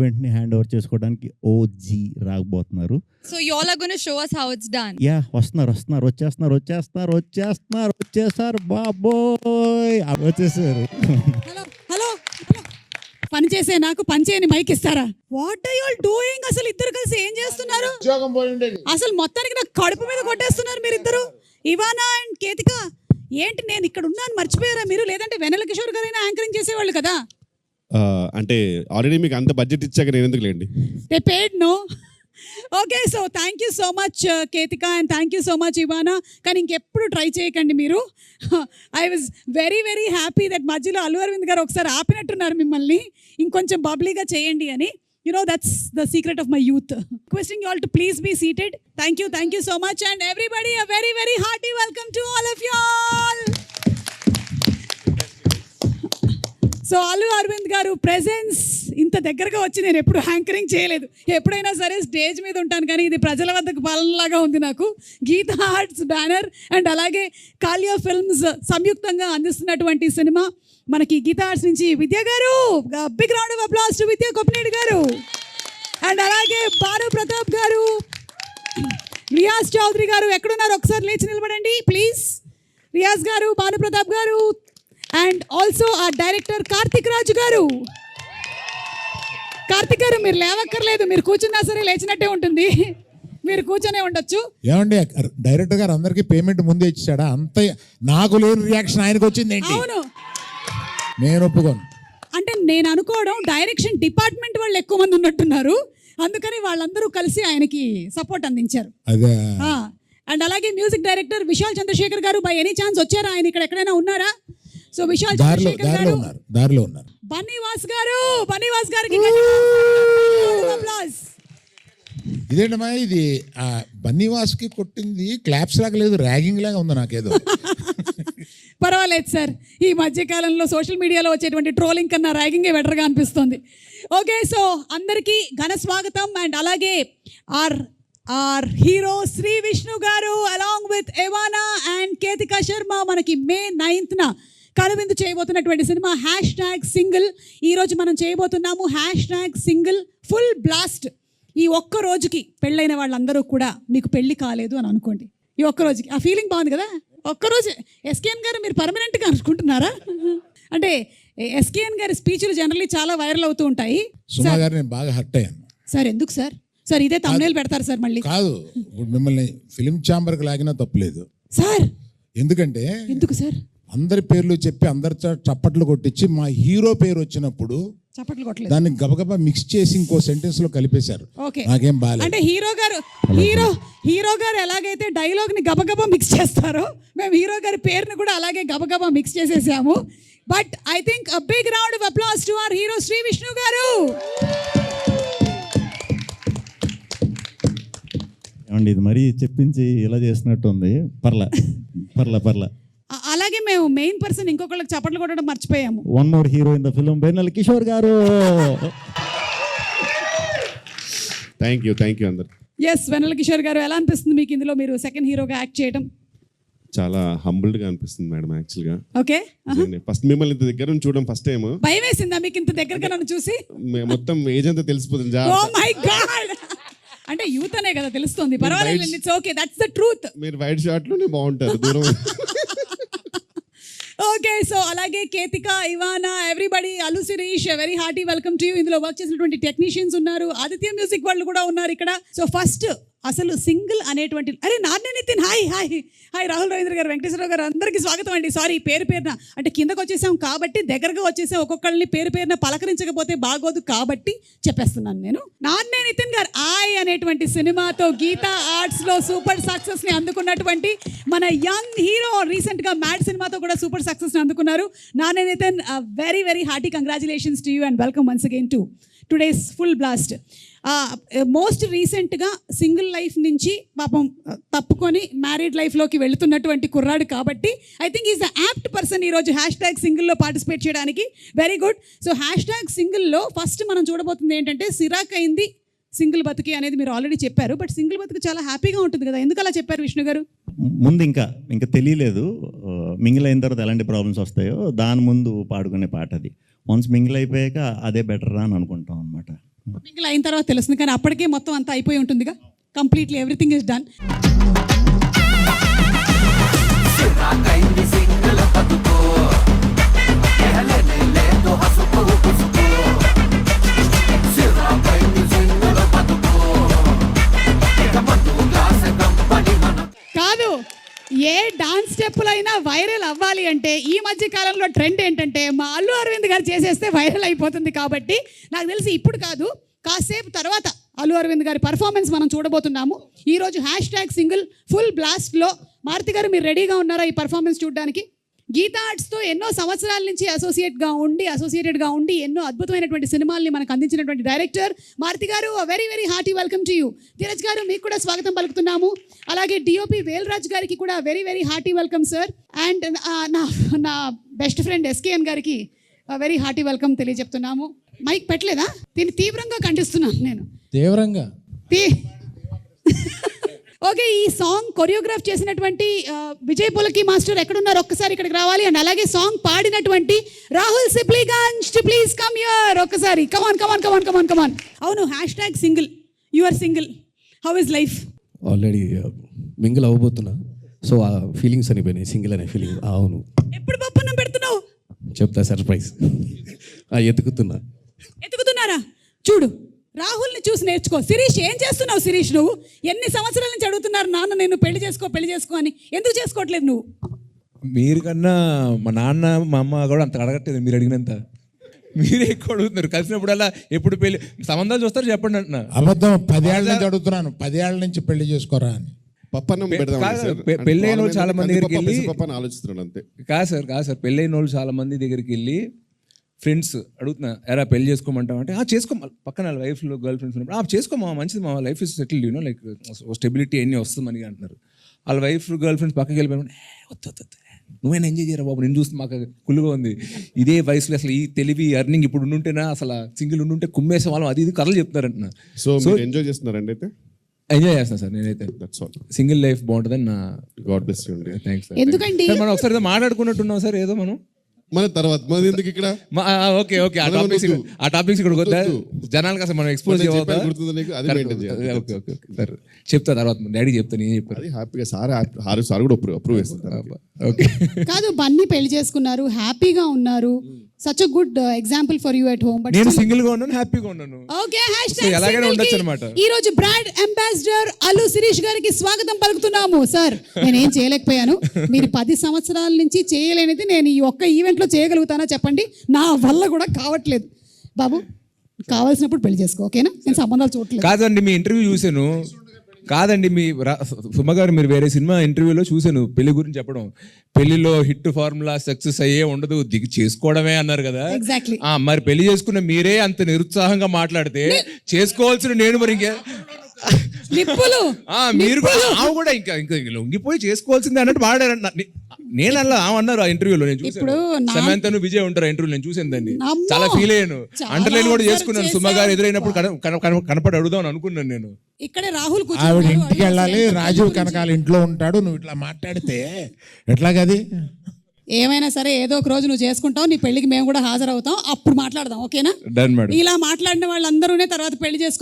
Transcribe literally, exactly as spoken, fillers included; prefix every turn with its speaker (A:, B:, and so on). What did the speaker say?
A: ఈవెంట్ని hand over చేసుకోవడానికి OG రాకపోతున్నారు.
B: So you all are going to show us how it's done.
A: Yeah వస్తున్నారు వస్తున్నారు వచ్చేస్తున్నారు వచ్చేస్తున్నారు వచ్చేస్తున్నారు వచ్చేసారు బాబోయ్ వచ్చేసారు.
C: హలో హలో హలో పని చేసే నాకు పని చేయని మైక్ ఇస్తారా? What are you all doing? అసలు ఇద్దరు కలిసి ఏం చేస్తున్నారు? అసలు మొత్తానికి నాకు కడుపు మీద కొట్టేస్తున్నారు మీరు ఇద్దరు. ఇవానా అండ్ కేతిక ఏంటి, నేను ఇక్కడ ఉన్నాను మర్చిపోయారా మీరు? లేదంటే వెన్నెల కిషోర్ గారైనా యాంకరింగ్ చేసేవాళ్ళు కదా.
D: అంటే ఆల్రెడీ మీకు అంత బడ్జెట్ ఇచ్చాక నేను ఎందుకు లేండి.
C: They paid no. Okay, so thank you so much Ketika and thank you so much Ivana. కానీ ఇంకెప్పుడు ట్రై చేయకండి మీరు. I was very very happy that మధ్యలో అల్లు అరవింద్ గారు ఒకసారి ఆపినట్టున్నారు మిమ్మల్ని, ఇంకొంచెం బబ్లీగా చేయండి అని. You know, that's the secret of my youth. Requesting you all to please be seated. Thank you, thank you so much. And everybody, a very, very hearty welcome to all of you all. So Allu Aravind garu presence ఇంత దగ్గరగా వచ్చి నేను ఎప్పుడు anchoring చేయలేదు. ఎప్పుడైనా సరే stage మీద ఉంటాను, కానీ ఇది ప్రజల వద్దకు పాలనలాగా ఉంది నాకు. గీతా ఆర్ట్స్ బ్యానర్ అండ్ అలాగే కాలియా ఫిల్మ్స్ సంయుక్తంగా అందిస్తున్నటువంటి సినిమా మనకి గీతా ఆర్ట్స్ నుంచి Vidya garu, big round of applause to Vidya Koppineedu garu and అలాగే బారు ప్రతాప్ గారు, రియాజ్ చౌదరి గారు ఎక్కడున్నారు ఒకసారి లేచి నిలబడండి ప్లీజ్. రియాజ్ గారు, బాను ప్రతాప్ గారు అండ్ ఆల్సో ఆ డైరెక్టర్ కార్తిక్ రాజు గారు. కార్తిక్ గారు మీరు లేవక్కర్లేదు, మీరు కూర్చున్నా సరే లేచినట్టే ఉంటుంది, మీరు కూర్చొనే ఉండొచ్చు.
E: ఏమండి డైరెక్టర్ గారు అందరికి పేమెంట్ ముందే ఇచ్చాడా? అంత నాకు లేని రియాక్షన్ ఆయనకు వచ్చింది ఏంటి?
C: అవును,
E: నేను ఒప్పుకోను.
C: అంటే నేను అనుకోవడం డైరెక్షన్ డిపార్ట్మెంట్ వాళ్ళు ఎక్కువ మంది ఉన్నట్టున్నారు, అందుకని వాళ్ళందరూ కలిసి ఆయనకి సపోర్ట్ అందించారు.
E: అదే.
C: అండ్ అలాగే మ్యూజిక్ డైరెక్టర్ విశాల్ చంద్రశేఖర్ గారు, బై ఎనీ ఛాన్స్ వచ్చారా? ఆయన ఇక్కడ ఎక్కడైనా ఉన్నారా? సో విశాల్ చంద్రశేఖర్ గారు,
E: దారిలో ఉన్నారు.
C: బన్నీవాస్ గారు, బన్నీవాస్ గారికి
E: ఇదేంటమ్మా ఇది? బన్నీవాస్కి కొట్టింది క్లాప్స్ లాగా లేదు, ర్యాగింగ్ లాగా ఉంది నాకేదో.
C: పర్వాలేదు సార్, ఈ మధ్యకాలంలో సోషల్ మీడియాలో వచ్చేటువంటి ట్రోలింగ్ కన్నా ర్యాగింగే బెటర్గా అనిపిస్తుంది. ఓకే, సో అందరికీ ఘన స్వాగతం. అండ్ అలాగే our our hero Shri Vishnu garu along with Ivana and Ketika Sharma మనకి మే నైన్త్న కనువిందు చేయబోతున్నటువంటి సినిమా హ్యాష్ ట్యాగ్ సింగిల్. ఈరోజు మనం చేయబోతున్నాము hash tag single full blast. ఈ ఒక్క రోజుకి పెళ్ళైన వాళ్ళందరూ కూడా మీకు పెళ్ళి కాలేదు అని అనుకోండి. ఈ ఒక్క రోజుకి ఆ ఫీలింగ్ బాగుంది కదా. ఒక్కరోజు ఎస్కేఎన్ గారు మీరు పర్మనెంట్గా అనుకుంటున్నారా? అంటే ఎస్కేఎన్ గారి స్పీచ్లు జనరల్లీ చాలా వైరల్ అవుతూ ఉంటాయి.
E: సుమా గారు నేను బాగా హర్ట్ అయ్యాను
C: సార్. ఎందుకు సార్? సార్ ఇదే తమ్నేల్ పెడతారు సార్ మళ్ళీ.
E: కాదు, ఇప్పుడు మిమ్మల్ని ఫిలిం ఛాంబర్కి లాగినా తప్పులేదు
C: సార్.
E: ఎందుకంటే
C: ఎందుకు సార్?
E: అందరి పేర్లు చెప్పి అందరి చప్పట్లు కొట్టించి మా హీరో పేరు వచ్చినప్పుడు
C: చప్పట్లు కొట్టలేదు,
E: దాన్ని గబగబా మిక్స్ చేసి ఇంకో సెంటెన్స్ లో కలిపేశారు. నాకేం బాలేదు.
C: అంటే హీరో గారు హీరో హీరో గారు ఎలాగైతే డైలాగ్ ని గబగబా మిక్స్ చేస్తారో మేము హీరో గారి పేరుని కూడా అలాగే గబగబా మిక్స్ చేసేసాము. But I think a big round of applause to our hero Shri Vishnu garu.
A: ఏమండి ఇది మరీ చెప్పించి ఇలా చేసినట్టు ఉంది. పర్లా పర్లా పర్లా
C: అలాగే మేము మెయిన్ పర్సన్ ఇంకొకళ్ళకి చప్పట్లు కొట్టడం మర్చిపోయాము.
A: One more hero in the film Vennela Kishore garu.
D: Thank you thank you అందరు.
C: ఎస్, వెన్నెల కిషోర్ గారు ఎలా అనిపిస్తుంది మీకు ఇందులో మీరు సెకండ్ హీరోగా యాక్ట్ చేయడం?
D: చాలా హంబుల్డ్ గా అనిపిస్తుంది మేడం. యాక్చువల్ గా
C: ఓకే,
D: ఫస్ట్ మిమ్మల్ని ఇంత దగ్గర నుంచి చూడడం ఫస్ట్ టైం.
C: భయం వేసిందా మీకు ఇంత దగ్గరగా నన్ను చూసి?
D: మొత్తం ఏజ్ అంతా తెలిసిపోతుంది.
C: ఓ మై గాడ్, అంటే యూత్ అనే కదా తెలుస్తుంది. పర్వాలేదు, it's okay, that's the truth.
D: మీరు వైట్ షార్ట్ లోనే బాగుంటారు దూరం.
C: ఓకే, సో అలాగే Ketika, Ivana, everybody, Allu Sirish, very hearty welcome to you. ఇందులో వర్క్ చేసినటువంటి టెక్నీషియన్స్ ఉన్నారు, ఆదిత్య మ్యూజిక్ వాళ్ళు కూడా ఉన్నారు ఇక్కడ. సో ఫస్ట్ అసలు సింగిల్ అనేటువంటి అరే నాన్నే Nitin hi hi hi Rahul Ravindra garu, Venkateswararao గారు, అందరికీ స్వాగతం అండి. సారీ పేరు పేరున అంటే కిందకు వచ్చేసాం కాబట్టి దగ్గరగా వచ్చేసాం, ఒక్కొక్కళ్ళని పేరు పేరున పలకరించకపోతే బాగోదు కాబట్టి చెప్పేస్తున్నాను నేను. నాన్నే నితిన్ గారు ఆయ్ అనేటువంటి సినిమాతో గీతా ఆర్ట్స్ లో సూపర్ సక్సెస్ ని అందుకున్నటువంటి మన యంగ్ హీరో, రీసెంట్ గా మ్యాడ్ సినిమాతో కూడా సూపర్ సక్సెస్ ని అందుకున్నారు. నాన్నే Nithin, very very hearty congratulations to you and welcome once again to today's full blast. Most రీసెంట్గా సింగిల్ లైఫ్ నుంచి పాపం తప్పుకొని మ్యారీడ్ లైఫ్లోకి వెళుతున్నటువంటి కుర్రాడు కాబట్టి I think is the apt person ఈరోజు హ్యాష్ ట్యాగ్ సింగిల్లో పార్టిసిపేట్ చేయడానికి. Very good. So hash tag సింగిల్లో ఫస్ట్ మనం చూడబోతుంది ఏంటంటే సిరాక్ అయింది సింగిల్ బతుకి అనేది మీరు ఆల్రెడీ చెప్పారు. బట్ సింగిల్ బతుకు చాలా హ్యాపీగా ఉంటుంది కదా, ఎందుకు అలా చెప్పారు విష్ణు గారు?
A: ముందు ఇంకా ఇంకా తెలియలేదు మింగిల్ అయిన తర్వాత ఎలాంటి ప్రాబ్లమ్స్ వస్తాయో దాని ముందు పాడుకునే పాట అది. వన్స్ మింగిల్ అయిపోయాక అదే బెటర్ అని అనుకుంటాం అనమాట.
C: సింగిల్ అయిన తర్వాత తెలుస్తుంది, కానీ అప్పటికే మొత్తం అంతా అయిపోయి ఉంటుందిగా. Completely everything is done. కాదు, ఏ డాన్స్ స్టెప్పులైనా వైరల్ అవ్వాలి అంటే ఈ మధ్య కాలంలో ట్రెండ్ ఏంటంటే మా అల్లు అరవింద్ గారు చేసేస్తే వైరల్ అయిపోతుంది. కాబట్టి నాకు తెలిసి ఇప్పుడు కాదు, కాసేపు తర్వాత అల్లు అరవింద్ గారి పర్ఫార్మెన్స్ మనం చూడబోతున్నాము. ఈరోజు హ్యాష్ ట్యాగ్ సింగిల్ ఫుల్ బ్లాస్ట్లో మారుతి గారు మీరు రెడీగా ఉన్నారా ఈ పర్ఫార్మెన్స్ చూడడానికి? గీతా ఆర్ట్స్తో ఎన్నో సంవత్సరాల నుంచి అసోసియేట్గా ఉండి అసోసియేటెడ్గా ఉండి ఎన్నో అద్భుతమైనటువంటి సినిమాల్ని మనకు అందించినటువంటి డైరెక్టర్ మారుతి గారు, very very hearty welcome to you. Dheeraj గారు మీకు కూడా స్వాగతం పలుకుతున్నాము. అలాగే డిఓపి వేల్రాజ్ గారికి కూడా very very hearty welcome sir. And నా నా బెస్ట్ ఫ్రెండ్ ఎస్కేఎన్ గారికి వెరీ హార్టీ వెల్కమ్ తెలియజెప్తున్నాము. మైక్ పెట్టలేదా? దీన్ని తీవ్రంగా ఖండిస్తున్నాను నేను.
F: తీవ్రంగా
C: ఓకే, ఈ సాంగ్ కొరియోగ్రాఫ్ చేసినటువంటి విజయ్ పులకి మాస్టర్ ఎక్కడున్నారు? ఒక్కసారి ఇక్కడికి రావాలి. అండ్ అలాగే సాంగ్ పాడినటువంటి Rahul Sipligunj, please come here ఒక్కసారి. Come on come on come on come on come on. అవును, hash tag single, your single, how is life?
F: Already mingle అవ్వబోతున్నా, సో ఆ ఫీలింగ్స్ అనిపోయినాయి. సింగిల్ అనే ఫీలింగ్. అవును,
C: ఎప్పుడు పప్పన్నం పెడుతున్నావు?
F: చెప్తా, సర్ప్రైజ్. ఎతుకుతున్నా.
C: ఎతుకుతున్నారా? చూడు, రాహుల్ని చూసి నేర్చుకో. శిరీష్, ఏం చేస్తున్నావు శిరీష్? నువ్వు ఎన్ని సంవత్సరాల నుంచి అడుగుతున్నారు నాన్న నేను పెళ్లి చేసుకో పెళ్లి చేసుకో అని, ఎందుకు చేసుకోవట్లేదు నువ్వు?
G: మీరు కన్నా మా నాన్న మా అమ్మ కూడా అంత అడగట్లేదు మీరు అడిగినంత. మీరే ఎక్కువ అడుగుతున్నారు. కలిసినప్పుడల్లా ఎప్పుడు పెళ్లి సంబంధాలు చూస్తారు చెప్పండి అంటున్నా.
E: అబద్ధం. పదేళ్ల నుంచి అడుగుతున్నాను, పదేళ్ల నుంచి పెళ్లి చేసుకోరా అని.
D: పప్పన్నం పెడదాం సార్.
G: పె- పెళ్ళైన వాళ్ళు చాలా మంది దగ్గరికి వెళ్ళి
D: పప్పని ఆలోచిస్తున్నాడు అంతే.
G: కాదు సార్ కాదు సార్ పెళ్ళైన వాళ్ళు చాలా మంది దగ్గరికి వెళ్ళి ఫ్రెండ్స్ అడుగుతున్నా, ఎరా పెళ్లి చేసుకోమంటాం అంటే, ఆ చేసుకో, పక్కన వైఫ్లో గర్ల్ ఫ్రెండ్స్ ఉన్నప్పుడు, ఆ చేసుకోమా మంచిది, మా life is settled, you know like stability అన్నీ వస్తుంది మనకి అంటున్నారు. వాళ్ళ వైఫ్ గర్ల్ ఫ్రెండ్స్ పక్కకి వెళ్ళిపోయిన వద్దు వద్దు నువ్వైనా ఎంజాయ్ చేయరా బాబు, నేను చూస్తే మాకు కుళ్ళుగా ఉంది. ఇదే వయసులో అసలు ఈ తెలివి అర్నింగ్ ఇప్పుడు ఉండుంటేనా అసలు సింగిల్ ఉండుంటే కుమ్మేసే వాళ్ళం అది ఇది కథలు చెప్తారంటున్నా.
D: సో మీరు ఎంజాయ్ చేస్తున్నారండి అయితే?
G: ఎంజాయ్ చేస్తాను సార్ నేనైతే.
D: That's all.
G: సింగిల్ లైఫ్ బాగుంటుందని నా
D: గాడ్ బ్లెస్ యూ అండి.
G: Thanks sir.
C: ఎందుకండి
G: సార్ మనం ఒకసారి ఏదో మాట్లాడుకున్నట్టున్నాం సార్, ఏదో మనం
D: మన తర్వాత మన ఎందుకు ఇక్కడ
G: ఓకే ఓకే ఆ టాపిక్స్ ఆ టాపిక్స్ ఇక్కడ వద్దా జనాలకు అసలు మనం ఎక్స్పోజ్
D: చెప్పాను, గుర్తుందా నీకు? అది మెయింటైన్ చేయాలి.
G: ఓకే ఓకే ఓకే సార్ చెప్తా తర్వాత డాడీ చెప్తాను, నేను చెప్పాను.
D: అది హ్యాపీగా సార్ హారు సార్ కూడా అప్రూవ్ అప్రూవ్ చేస్తారు.
G: ఓకే
C: కాదు, బన్నీ పెళ్లి చేసుకున్నారు, హ్యాపీగా ఉన్నారు. Such a good example for you at home. But
G: నేను సింగిల్ గా ఉన్నాను, హ్యాపీగా ఉన్నాను.
C: ఓకే, హ్యాష్
G: So, ఎలాగైనా ఉండొచ్చు అన్నమాట.
C: ఈ రోజు బ్రాండ్ అంబాసిడర్ అల్లు శిరీష్ గారికి స్వాగతం పలుకుతున్నాము. సార్, నేనేం చేయలేకపోయాను, మీరు పది సంవత్సరాల నుంచి చేయలేనిది నేను ఈ ఒక్క ఈవెంట్ లో చేయగలుగుతానా చెప్పండి? నా వల్ల కూడా కావట్లేదు. బాబు, కావాల్సినప్పుడు పెళ్లి చేసుకో, ఓకేనా? నేను సంబంధాలు చూడట్లేదు.
G: కాదండి మీ ఇంటర్వ్యూ చూశాను, కాదండి మీ రా- సుమ గారు మీరు వేరే సినిమా ఇంటర్వ్యూలో చూశాను పెళ్లి గురించి చెప్పడం. పెళ్లిలో హిట్ ఫార్ములా సక్సెస్ అయ్యే ఉండదు, దిగి చేసుకోవడమే అన్నారు కదా.
C: ఎగ్జాక్ట్లీ.
G: ఆ మరి పెళ్లి చేసుకున్న మీరే అంత నిరుత్సాహంగా మాట్లాడితే చేసుకోవాల్సిన నేను మరి ఇంకే
C: నిప్పులు
G: ఆ మీరు కూడా ఆమె కూడా ఇంకా ఇంకా లొంగిపోయి చేసుకోవాల్సిందే అన్నట్టు మాట్లాడారు. నేను అలా ఆమె అన్నారు ఆ ఇంటర్వ్యూలో, నేను చూసాను.
C: ఇప్పుడు నా-
G: సమంతను విజయ్ ఉంటారు ఇంటర్వ్యూ, నేను చూసాను దాన్ని,
C: అమ్మో!
G: చాలా ఫీల్ అయ్యాను.
C: చాలా
G: అంటర్లైన్ కూడా
C: observe
G: చేసుకున్నాను. సుమ గారు ఎదురైనప్పుడు కన- కన- కన- కనపడి అడుగుదాం అనుకున్నాను నేను.
C: ఇక్కడే రాహుల్
E: ఆవిడ
C: కూర్చున్నారు.
E: ఇంటికి వెళ్ళాలి, రాజీవ్ కనకాల ఇంట్లో ఉంటాడు, నువ్వు ఇట్లా మాట్లాడితే ఎట్లాగది?
C: ఏమైనా సరే ఏదో ఒక రోజు నువ్వు చేసుకుంటావు, నీ పెళ్లికి మేము కూడా హాజరవుతాం, అప్పుడు మాట్లాడదాం, ఓకేనా?
G: Done madam.
C: ఇలా మాట్లాడిన వాళ్ళందరూనే తర్వాత పెళ్లి చేసుకుంటారు.